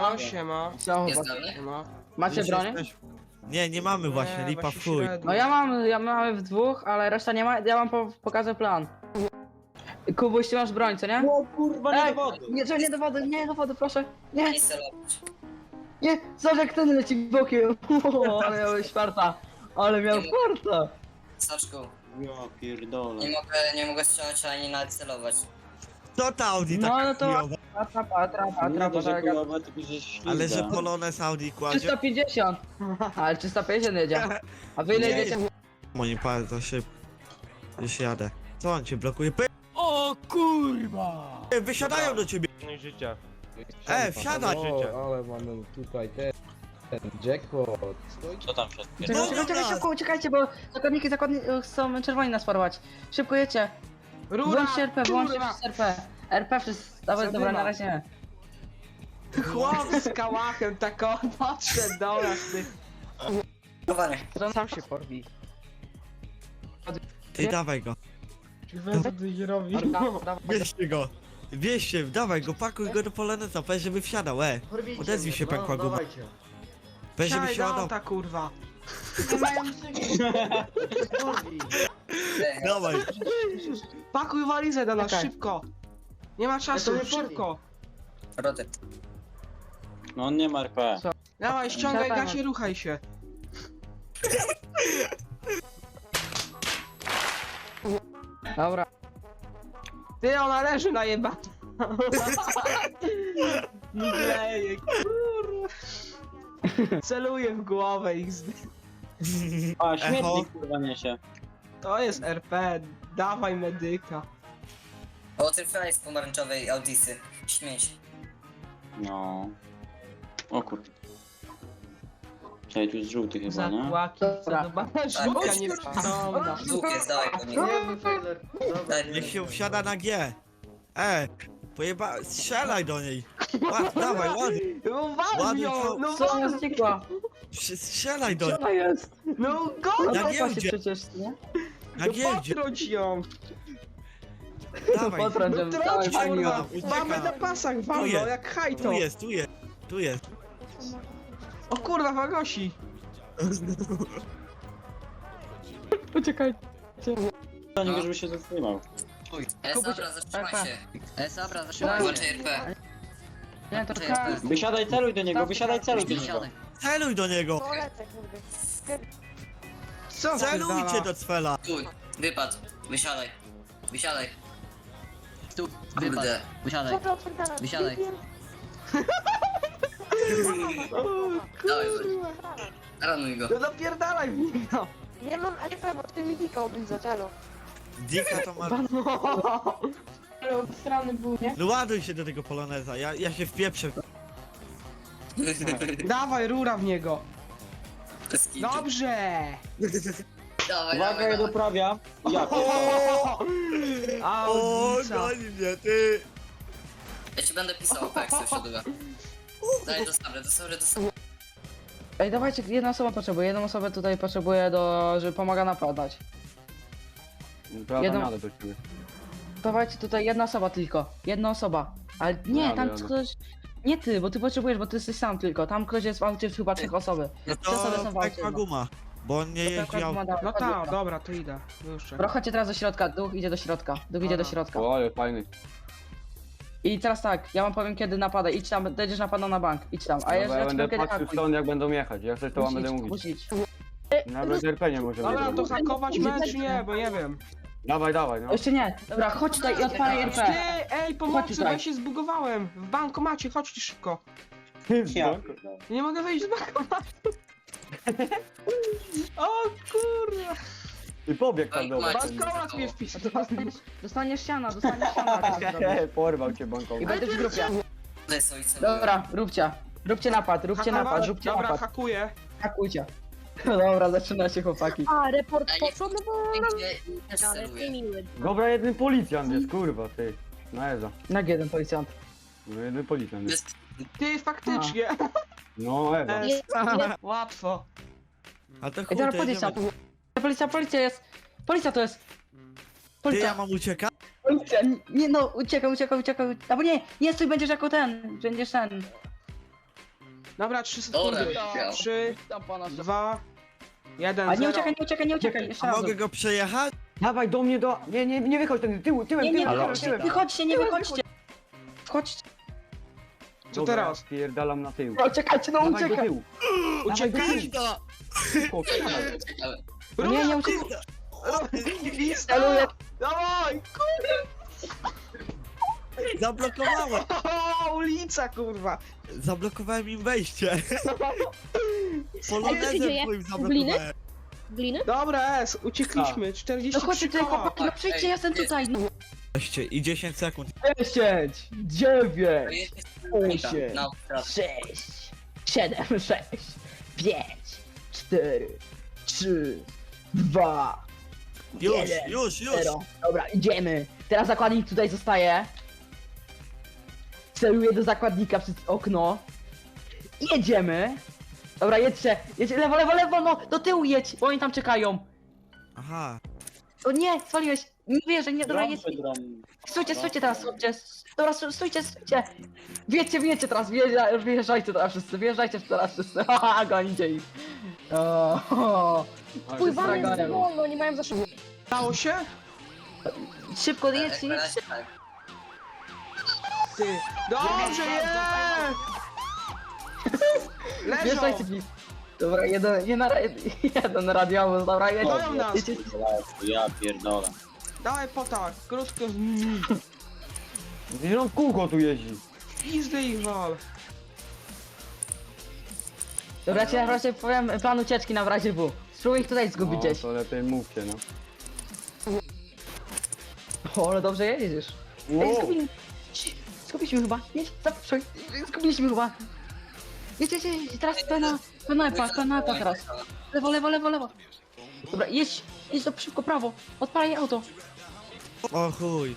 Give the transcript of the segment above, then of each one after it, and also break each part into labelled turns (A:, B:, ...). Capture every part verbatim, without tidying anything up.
A: Siema, siema.
B: Co,
C: Jest
B: chłopaki?
C: dalej?
A: Siema.
B: Macie
D: Już
B: broń?
D: jesteś- Nie, nie mamy właśnie,
A: Nie,
D: lipa
A: właśnie
D: w chuj.
A: średnio.
B: No ja mam, ja mamy w dwóch, ale reszta nie ma, ja wam po, pokażę plan. Kubuś, ty masz broń, co nie?
E: O kurwa, nie
B: Ej,
E: do wody.
B: Nie, że nie do wody, nie do wody, proszę. Nie,
C: Nie celować.
B: nie, zobacz jak ten leci bokiem. O, ale miałeś farta. Ale miał farta.
C: Saczku,
E: Ja pierdolę.
C: nie mogę, nie mogę strzelać ani nawet celować.
D: Co ta Audi
B: No,
D: taka
B: no to-
D: chujowa?
B: Atrapa, atrapa,
E: Nie
B: atrapa,
E: to, że
B: tak.
E: chujowe, tylko że ślizga.
D: Ale że Polones Audi kładzie.
B: trzysta pięćdziesiąt. Ale trzysta pięćdziesiąt jedzie. A wy ile
D: Nie.
B: jedziecie?
D: Moim pan za szybko. Już jadę. Co on cię blokuje? Py-
F: O kurwa!
D: Wysiadają do ciebie!
F: No życia.
D: E, wsiadaj!
F: Życie.
G: Ale mamy tutaj ten, ten jackpot.
E: Co tam się odpierdala?
B: Czekaj, czekaj, czekaj, szybko uciekajcie, bo zakładniki, zakładniki chcą czerwoni nas porwać. Szybko jedźcie.
A: Rura!
B: Włączcie R P, włączcie
A: Rura!
B: R P. R P wszyscy, dawaj, dobra,
A: Zadyma.
B: na razie nie.
A: Chłop z kałachem tak o, podszedł do nas, ty.
C: Chowanie.
A: Sam się porwi.
D: Ty dawaj go.
B: Dawaj.
D: Wieźcie go. Wieźcie, dawaj go, pakuj go do Polonesa, powiedz, żeby wsiadał, e. Odezwij się, pękła guma. Powiedz, żeby
A: Siadaj
D: się
A: do
D: ładał.
A: auta, kurwa.
C: Ej,
D: Dawaj.
A: Pakuj walizę do nas,
B: Czekaj.
A: szybko. Nie ma czasu, szybko.
C: Rody.
E: No on nie ma R P.
A: Dawaj, ściągaj
B: Siadamy.
A: gasie, ruchaj się.
B: Dobra.
A: Ty, ona leży na jeba. Mdleje, kurwa. Celuję w głowę ich z...
E: A,
D: Echo.
E: śmietnik kurwa niesie.
A: To jest R P, dawaj medyka.
C: O tym fraj z pomarańczowej Audisy. Śmieć.
E: No. O kurde. Czekaj, tu jest żółty chyba, nie?
A: Zakłaki,
B: Dobra.
A: zadobana żółka nieprzytomna.
C: Dwóch jest, dawaj po niego. Daj,
D: Niech się wsiada na G. E, pojeba... strzelaj do niej. Ład, dawaj, ładnie.
A: No wal
D: Ładnie
A: ją,
D: to-
A: no
B: Co ona
A: wal,
B: znikła?
D: Strzelaj do niej.
B: Co to jest?
A: no
B: No
A: goń,
D: Na
B: to się
D: giełdzie.
B: przecież, nie?
D: Na
A: no
D: giełdzie,
A: potrąć ją.
D: dawaj.
B: Potrąć ją,
A: No
B: dawaj,
A: trąć,
B: fajnie.
A: kurwa.
D: ucieka.
A: Mamy na pasach,
D: Tu
A: walno,
D: jest,
A: jak hajto.
D: Tu jest, tu jest, tu jest.
A: O kurwa, Wagosi.
B: Uciekaj.
E: Do niego, żeby się zatrzymał.
C: E,
B: Kubuś,
C: dobra, zatrzymaj
B: R P.
C: się. E, dobra, zatrzymaj. Włączaj R P.
B: Nie, to
C: Włączaj
B: czekaj.
C: R P.
E: Wysiadaj, celuj do niego, wysiadaj, celuj do niego.
C: Wysiadaj.
D: Celuj do niego.
A: Co
D: Celujcie
A: wpierdala?
D: do cwela.
C: Stój, wypadł. Wysiadaj. Wysiadaj.
H: Tu,
C: Kurde.
H: wypadł. Wysiadaj, wysiadaj.
C: Dawaj, ranuj go.
A: No napierdalaj w niego.
I: Nie mam R P, bo ty mi dikał być za celu.
D: Dika to ma...
I: Ale od strony był, nie?
D: No ładuj się do tego Poloneza, ja, ja się wpieprzę.
A: Dawaj, rura w niego.
C: Bez kitu.
A: Dobrze.
C: Dawaj,
E: Uwaga,
C: dawaj,
E: ja
C: dawaj.
E: doprawia. Ja pierdolę.
D: O,
A: Audica.
D: goni mnie, ty.
C: Ja ci będę pisał, jak sobie wsiaduję. Daj, do sabry, do sabry, do sabry.
B: Ej, dawajcie, jedna osoba potrzebuje, jedną osobę tutaj potrzebuje do, żeby pomaga napadać.
G: Prawda,
B: Jedną-
G: jadę do ciebie.
B: Dawajcie tutaj jedna osoba tylko, jedna osoba. Ale nie,
G: Jadę,
B: tam
G: jadę.
B: ktoś... Nie ty, bo ty potrzebujesz, bo ty jesteś sam tylko. Tam ktoś jest w aucie chyba trzech osoby.
D: No
B: Trzy osoby są
D: to
B: w aucie.
D: pękła guma, bo on nie
B: To
D: jeździ
B: akurat
D: autem.
B: ma da-
A: No
B: chodź,
A: tak,
B: dobra.
A: dobra, to idę. Już czekaj.
B: Dobra, chodźcie teraz do środka, duch idzie do środka. Duch idzie do
A: Dobra.
B: środka.
G: O, ale fajny.
B: I teraz tak, ja wam powiem kiedy napada. Idź tam, będziesz napadał na bank, idź tam. A
G: Dobra,
B: ja,
G: ja
B: ja ci
G: będę
B: powiem kiedy
G: patrzył
B: hakuj.
G: stąd jak będą jechać. Jak coś to wam będę
B: Musisz,
G: mówić.
B: musisz.
G: Nawet R P nie możemy
A: Dobra, to
G: zrobić.
A: hakować mecz nie, bo nie wiem.
G: Dawaj, dawaj, no.
B: Jeszcze nie. Dobra, chodź tutaj i odpalaj R
A: Ty,
B: P.
A: ej,
B: Chodź
A: pomocy, bo
B: tutaj.
A: ja się zbugowałem. W bankomacie, chodźcie szybko.
E: Ja pierdolę.
A: Nie mogę wyjść z bankomatu. O kurwa.
G: I pobiegł tam do was.
A: Bankomat mnie wpisał.
B: Dostaniesz, dostaniesz siana, dostaniesz siana. jak to zrobisz.
G: Porwał cię
B: I
G: bankowy.
B: będziesz w grupie.
C: Tutaj są i co
B: Dobra, róbcie. Róbcie napad, róbcie napad,
A: Hakować?
B: róbcie
A: Dobra,
B: napad.
A: hakuję.
B: Hakujcie. Dobra, zaczyna się chłopaki.
I: A, report
C: Ej,
I: poszło, no bo...
C: Gdzie też
I: Ale
C: celuję.
I: ty miły.
G: Dobra, jeden policjant jest, kurwa, ty. No Eza.
B: Jak jeden policjant.
G: No jeden policjant jest.
C: Bez...
A: Ty, faktycznie.
G: No Eza.
A: E,
I: Jest, jest,
A: Łatwo.
D: A to
B: Ej,
D: chuj,
B: dobra,
D: to
B: policja.
D: jedziemy.
B: Policja, policja jest. Policja to jest.
D: Ty, ja
B: Policja,
D: mam uciekać?
B: policja. Nie no, uciekaj, uciekaj, uciekaj. Albo nie, nie stój, będziesz jako ten. Będziesz ten.
A: Dobra, trzy
C: Dobra,
A: sekundy.
C: widział.
A: trzy,
B: Tam pana
A: dwa, jeden,
B: A nie
A: zero.
B: uciekaj, nie uciekaj, nie uciekaj. Jeszcze
D: A
B: raz.
D: mogę go przejechać?
G: Dawaj do mnie do... Nie, nie, nie wychodź ten tył, tyłem,
B: Nie, nie,
G: tyłem, tyłem,
B: wychodźcie,
G: tyłem.
B: wychodźcie, nie wychodźcie. Wchodźcie.
A: Co
G: Dobra,
A: teraz?
G: Pierdalam na tył.
B: No, uciekajcie, no
G: Dawaj do
B: uciekaj.
G: tyłu.
A: Uciekaj!
G: Szybko, wsiadaj.
B: No nie, nie uciekaj.
A: Lista! Dawaj!
D: Zablokowałem!
A: O, ulica, kurwa!
D: Zablokowałem im wejście. Polonezem
I: dzieje?
D: twoim
I: Gliny?
D: zablokowałem.
I: Gliny?
A: Dobra, S, uciekliśmy.
B: No
A: czterdzieści
B: chodźcie
A: trzy
B: tutaj,
A: koła.
B: chłopaki, no przyjdźcie, ja jestem tutaj. No.
D: Weźcie i dziesięć sekund.
B: dziesięć, dziewięć,
C: Osiem. No,
B: sześć, siedem, sześć, pięć, cztery, trzy, dwa,
D: Już,
B: jeden,
D: już, już!
B: zero. Dobra, idziemy. Teraz zakładnik tutaj zostaje. Celuję do zakładnika przez okno. I jedziemy. Dobra, jedźcie. Jedźcie, lewo, lewo, lewo, no. Do tyłu jedź, bo oni tam czekają.
D: Aha.
B: O nie, zwaliłeś. Nie wierzę, nie, dobra, jedź.
E: Drum,
B: Stójcie, stójcie teraz, stójcie. Dobra, stó- stójcie, stójcie. Wiecie, wiecie teraz, wjeżdża- wjeżdżajcie teraz wszyscy, wjeżdżajcie teraz wszyscy. Haha, gonicie ich. O, o.
I: Pływamy
B: Zragałem.
I: z wolno, nie mają za szybko.
A: Stało się?
B: Szybko, jedźcie,
C: jak
B: jedźcie.
C: tak.
A: Ty. Dobrze, jest! Leżą!
B: Wjeżdżajcie, please. Dobra, jeden, jeden, jeden radiowóz, dobra, jedźcie.
A: Goją nas!
B: jedźcie.
E: Ja pierdolę.
A: Dawaj potak, krótko.
G: Gdzieś on w kółko tu jeździ.
A: Pizdy ich wal.
B: Dobra, ja ci na razie powiem plan ucieczki na w razie W. Spróbuj ich tutaj zgubić
G: No,
B: gdzieś.
G: to lepiej mówcie, no.
B: O, ale dobrze jedziesz. Ej,
G: Wow.
B: zgubili... Ci- Zgubiliśmy chyba. Jedź, zapraszaj. Zgubiliśmy chyba. Jedź, jedź, jedź. Teraz pena, pena epa, pena epa teraz. Lewo, lewo, lewo, lewo. Dobra, jedź, jedź do szybko, prawo. Odpalaj auto.
D: O chuj.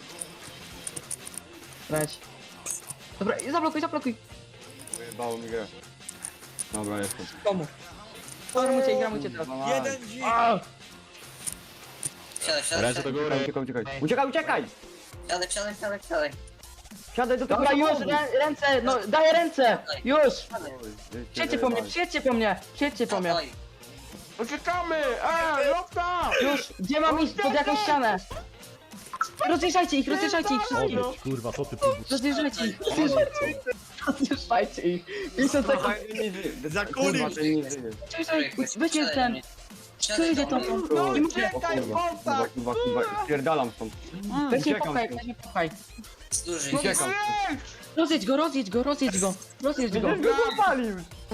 B: Leć. Dobra, i zablokuj, zablokuj.
G: Wyjebało mi grę. Dobra, jestem.
B: Komu? Gramujcie, gramujcie teraz.
D: Jeden dzik.
B: A!
C: Wsiadaj, wsiadaj, wsiadaj,
G: Uciekaj, uciekaj, uciekaj. Uciekaj, uciekaj!
C: wsiadaj, wsiadaj, wsiadaj, wsiadaj.
G: Siadaj do tego
B: Dobra, już,
G: samochodu.
B: rę, ręce, no, daję ręce. Już.
G: Oj,
B: Przyjedźcie po mnie, przyjedźcie po mnie, przyjedźcie po mnie.
C: Dawaj.
A: Uciekamy! Ej, lofta!
B: Już, gdzie mam iść? Pod jakąś ścianę. Rozjeżdżajcie ich, rozjeżdżajcie ich wszystkich.
F: Kurwa, co ty
B: Rozjeżdżajcie ich, rozjeżdżajcie ich. Rozjeżdżajcie ich. pięćdziesiąt sekund.
G: Dawaj, nie żyje.
D: Za
G: Kurwa,
D: kulis.
G: ten nie żyje.
B: Weźcie ten. Kto jedzie to?
A: No
B: I
A: uciekaj,
G: O kurwa, kurwa,
A: potak!
G: kurwa, kurwa, spierdalam stąd.
B: Weź mnie
G: Uciekam
B: popchaj,
G: stąd.
B: weź mnie popchaj.
C: Duży.
G: Uciekam.
B: Rozjedź go, rozjedź go, rozjedź go. Rozjedź go.
G: Będziesz go zapalił!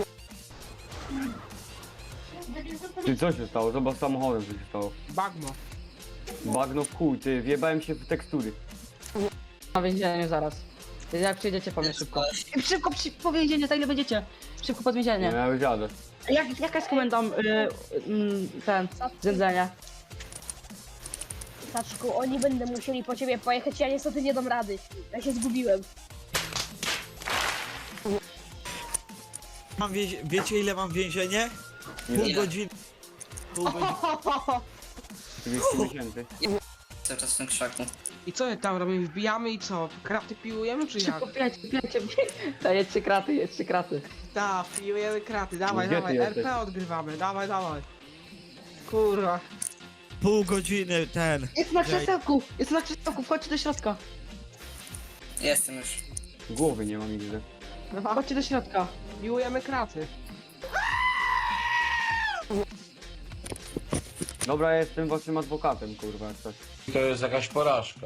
G: Ty, co się stało? Zobacz z samochodem, co się stało.
A: Bagno.
G: Bagno w chuj, ty, wjebałem się w tekstury.
B: Na więzieniu zaraz. Jak przyjdziecie po mnie szybko. Szybko przy, po więzienie, za ile będziecie? Szybko pod
G: Nie,
B: więzienie.
G: ja już jadę.
B: Jak, jaka jest komenda y, y, ten, zędzenia?
I: Taczku, oni będą musieli po ciebie pojechać, ja niestety nie dam rady. Ja się zgubiłem.
D: Mam więzie... Wiecie ile mam więzienie? Pół
G: Ile?
D: godziny. Pół godziny.
G: trzydzieści miesięcy.
C: Cały czas w tym krzaku.
A: I co tam robimy? Wbijamy i co? Kraty piłujemy czy jak?
B: Szybko, pijajcie, pijajcie. Ta, jedźcie kraty, jedźcie kraty.
A: Tak, piłujemy kraty, dawaj,
G: Gdzie ty
A: dawaj,
G: jesteś?
A: R P odgrywamy, dawaj, dawaj. Kurwa.
D: Pół godziny ten.
B: Jest na krzesełku, jest na krzesełku, wchodźcie do środka.
C: Jestem już.
G: Głowy nie mam nigdy.
B: Chodźcie do środka.
A: Piłujemy kraty.
G: Dobra, ja jestem waszym adwokatem, kurwa, jak coś.
F: To jest jakaś porażka.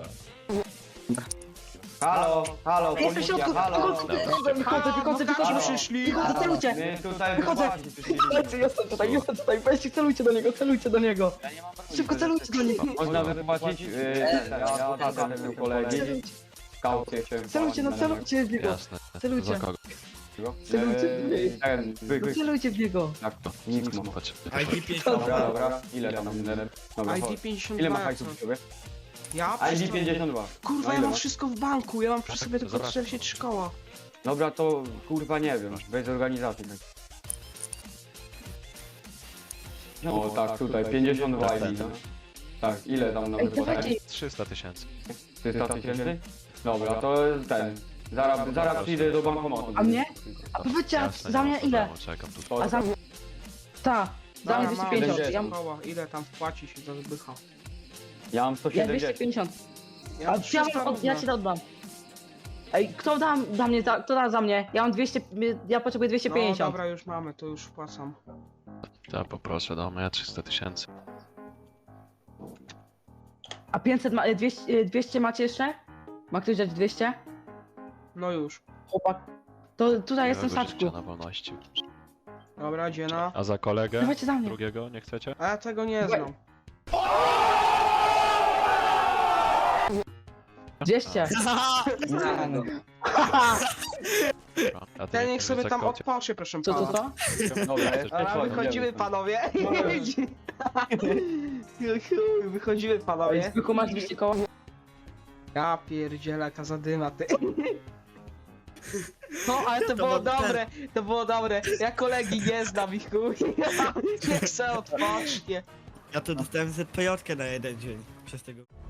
G: Halo, halo,
B: Jestem w
G: policja,
B: środku,
G: halo.
B: wychodzę, wychodzę, wychodzę, wychodzę,
A: Adwokaci
B: wychodzę.
A: przyszli.
B: Wychodzę, celujcie.
G: My tutaj
B: Wychodzę.
G: wychodzę.
B: Słuchajcie, jestem tutaj, jestem tutaj, weźcie, celujcie do niego, celujcie do niego. Szybko celujcie do niego.
G: Można wypłacić, yy, ja adwokatem tego kolegi. Kaucję chciałem.
B: Celujcie, no celujcie w niego.
J: Jasne.
B: Celujcie.
J: Za kogo?
B: Celujcie w
G: Eee,
B: niego.
G: ten, wy,
B: No
G: wy,
B: celujcie w niego.
G: jak to? Nic mam.
J: Patrz.
D: I D pięć.
G: Dobra, dobra, ile tam? Dobra,
A: I D
G: chodź.
A: pięćdziesiąt
G: Ile
A: dwa
G: ma
A: jak
G: hajsu
A: coś.
G: przy sobie?
A: Ja?
G: I D pięćdziesiąt dwa.
A: Kurwa,
G: No
A: ja
G: ile
A: mam
G: masz?
A: wszystko w banku, ja mam przy sobie tylko
J: Zobacz.
A: czterdzieści trzy koła.
G: Dobra, to kurwa nie wiem, bez organizacji. Tak. O tak, tutaj, pięćdziesiąt dwa I D, no. Tak, ile tam
B: Ej,
G: nawet
B: dawajcie.
G: potem?
J: trzysta tysięcy.
G: trzysta tysięcy? Dobra, to ten. Zaraz, zaraz przyjdę do bankomatu.
B: A mnie? A powiedzcie, a za mnie ile? A za mnie... Ta, za mnie
A: Dobra,
B: dwieście
A: mam
B: pięćdziesiąt.
G: Będzie.
B: Ja, mam-
A: koła. Ile tam wpłacisz za zbycha?
G: Ja mam sto
B: ja dwieście
G: siedemdziesiąt.
B: pięćdziesiąt.
A: Ja
B: A
A: mam
B: ja,
A: trzysta
B: mam, od, ja
A: równo.
B: ci to oddam. Ej, kto da za mnie, za, kto da za mnie? Ja mam dwieście, ja potrzebuję dwieście
A: No
B: pięćdziesiąt.
A: dobra, już mamy, to już wpłacam.
J: Ja poproszę do mnie trzysta tysięcy.
B: A pięćset, ma, dwieście, dwieście macie jeszcze? Ma ktoś dać dwieście?
A: No już.
B: Chłopak. To tutaj jestem
J: Miłego
B: saczku.
J: życia na wolności.
A: Dobra, dziena.
J: A za kolegę?
B: Dawajcie za mnie.
J: Drugiego nie chcecie?
A: A ja tego nie znam.
B: dwieście.
J: A ty
A: Ten
J: nie
A: niech sobie
J: za
A: tam
J: kocie?
A: odpocznie, proszę
B: Co, co,
A: pana.
B: co?
G: Dobra, jest
A: Dobra,
G: chodź,
A: wychodzimy
G: idziemy.
A: panowie. Wychodzimy
B: Ej,
A: panowie.
B: Zbychu, masz dwieście koła?
A: Ja pierdzielę, jaka zadyma ty. No, ale to
D: To
A: było
D: mam ten.
A: dobre, to było dobre. Ja kolegi nie znam ich chuj. Niech se odpocznie.
D: Ja to dostałem Z P J na jeden dzień przez tego.